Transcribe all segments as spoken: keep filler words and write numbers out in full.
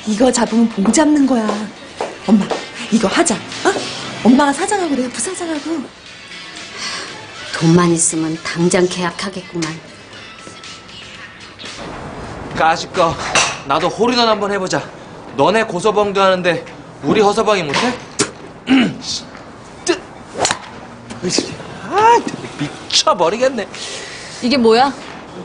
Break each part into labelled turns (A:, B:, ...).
A: 이거 잡으면 봉 잡는 거야. 엄마, 이거 하자. 어? 엄마가 사장하고 내가 부사장하고.
B: 돈만 있으면 당장 계약하겠구만.
C: 까짓거 나도 홀인원 한번 해보자. 너네 고서방도 하는데 우리 허서방이 못해? 아, 미쳐버리겠네.
D: 이게 뭐야?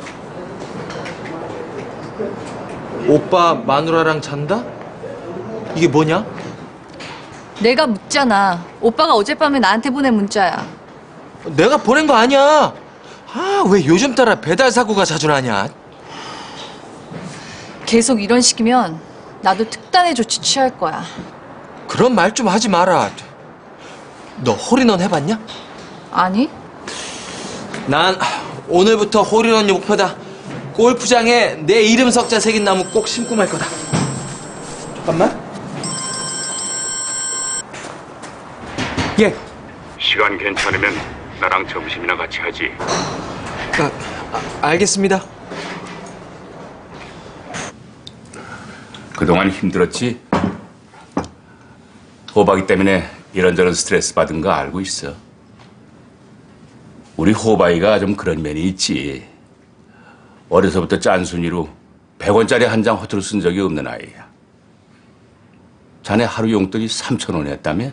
C: 오빠 마누라랑 잔다? 이게 뭐냐?
D: 내가 묻잖아. 오빠가 어젯밤에 나한테 보낸 문자야.
C: 내가 보낸 거 아니야. 아, 왜 요즘 따라 배달 사고가 자주 나냐?
D: 계속 이런 식이면 나도 특단의 조치 취할 거야.
C: 그런 말 좀 하지 마라. 너 홀인원 해봤냐?
D: 아니?
C: 난 오늘부터 홀인원이 목표다. 골프장에 내 이름 석자 새긴 나무 꼭 심고 말 거다. 잠깐만. 예.
E: 시간 괜찮으면 나랑 점심이나 같이 하지.
C: 아, 아, 알겠습니다.
E: 그동안 힘들었지? 호박이 때문에 이런저런 스트레스 받은 거 알고 있어. 우리 호박이가 좀 그런 면이 있지. 어려서부터 짠순이로 백 원짜리 한 장 허투루 쓴 적이 없는 아이야. 자네 하루 용돈이 삼천 원이었다며?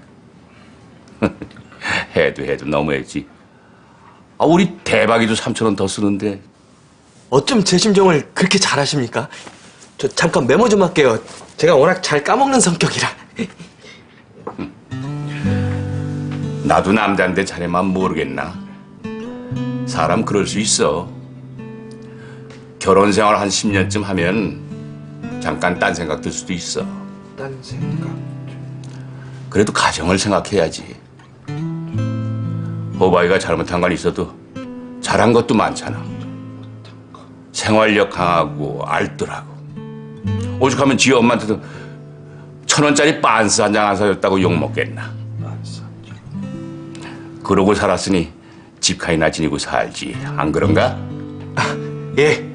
E: 해도 해도 너무했지. 아, 우리 대박이도 삼천 원 더 쓰는데.
C: 어쩜 제 심정을 그렇게 잘 아십니까? 저 잠깐 메모 좀 할게요. 제가 워낙 잘 까먹는 성격이라.
E: 나도 남자인데 자네만 모르겠나? 사람 그럴 수 있어. 결혼 생활 한 십 년쯤 하면 잠깐 딴 생각 들 수도 있어.
C: 딴 생각.
E: 그래도 가정을 생각해야지. 호바이가 잘못한 건 있어도 잘한 것도 많잖아. 생활력 강하고 알뜰하고. 오죽하면 지 엄마한테도 천 원짜리 빤스 한 장 안 사줬다고 욕먹겠나. 그러고 살았으니 집카이나 지니고 살지. 안 그런가?
C: 아, 예.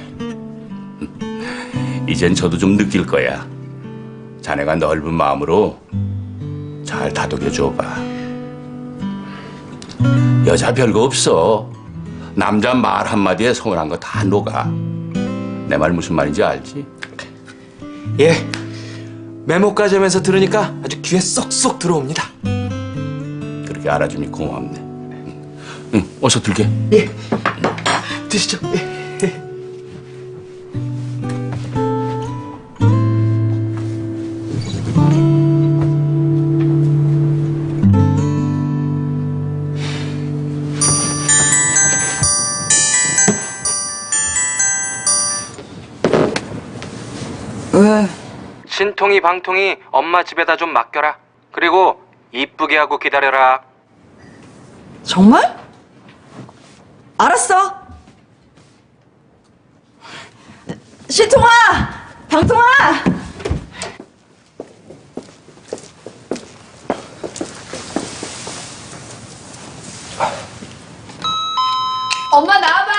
E: 이젠 저도 좀 느낄 거야. 자네가 넓은 마음으로 잘 다독여줘봐. 여자 별거 없어. 남자 말 한마디에 서운한 거 다 녹아. 내 말 무슨 말인지 알지?
C: 예. 메모까지 하면서 들으니까 아주 귀에 쏙쏙 들어옵니다.
E: 그렇게 알아주니 고맙네. 응, 어서 들게.
C: 예. 드시죠. 예.
A: 왜?
C: 신통이 방통이 엄마 집에다 좀 맡겨라. 그리고 이쁘게 하고 기다려라.
A: 정말? 알았어. 신통아! 방통아!
D: 엄마 나와봐!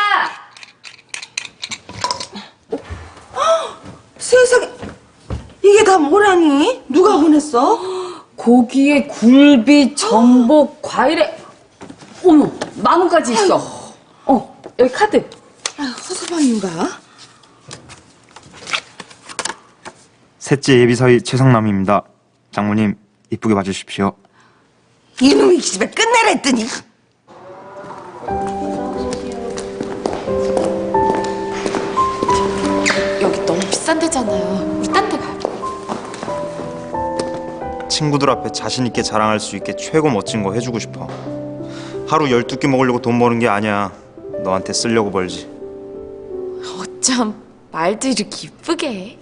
A: 세상에, 이게 다 뭐라니? 누가 보냈어?
D: 고기에 굴비, 전복, 과일에 어머 만 원까지 있어. 어 여기 카드.
A: 아유, 허서방인가?
F: 셋째 예비사위 최성남입니다. 장모님 이쁘게 봐주십시오.
A: 이놈이 집에 끝내랬더니.
G: 여기 너무 비싼 데잖아요. 우리 딴 데 가요.
F: 친구들 앞에 자신 있게 자랑할 수 있게 최고 멋진 거 해주고 싶어. 하루 열두 끼 먹으려고 돈 버는 게 아니야. 너한테 쓰려고 벌지.
G: 어쩜 말도 이렇게 이쁘게 해.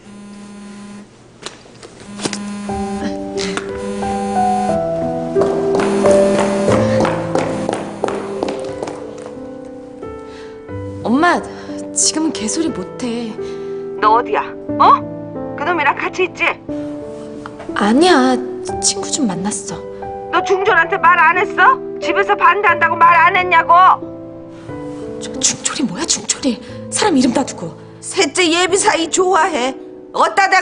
G: 엄마, 지금은 개소리 못해.
H: 너 어디야? 어? 그놈이랑 같이 있지?
G: 아니야, 친구 좀 만났어.
H: 너 중졸한테 말 안 했어? 집에서 반대한다고 말 안 했냐고?
G: 저, 중졸이 뭐야, 중졸이. 사람 이름 다 두고.
H: 셋째 예비사위 좋아해. 어따 대고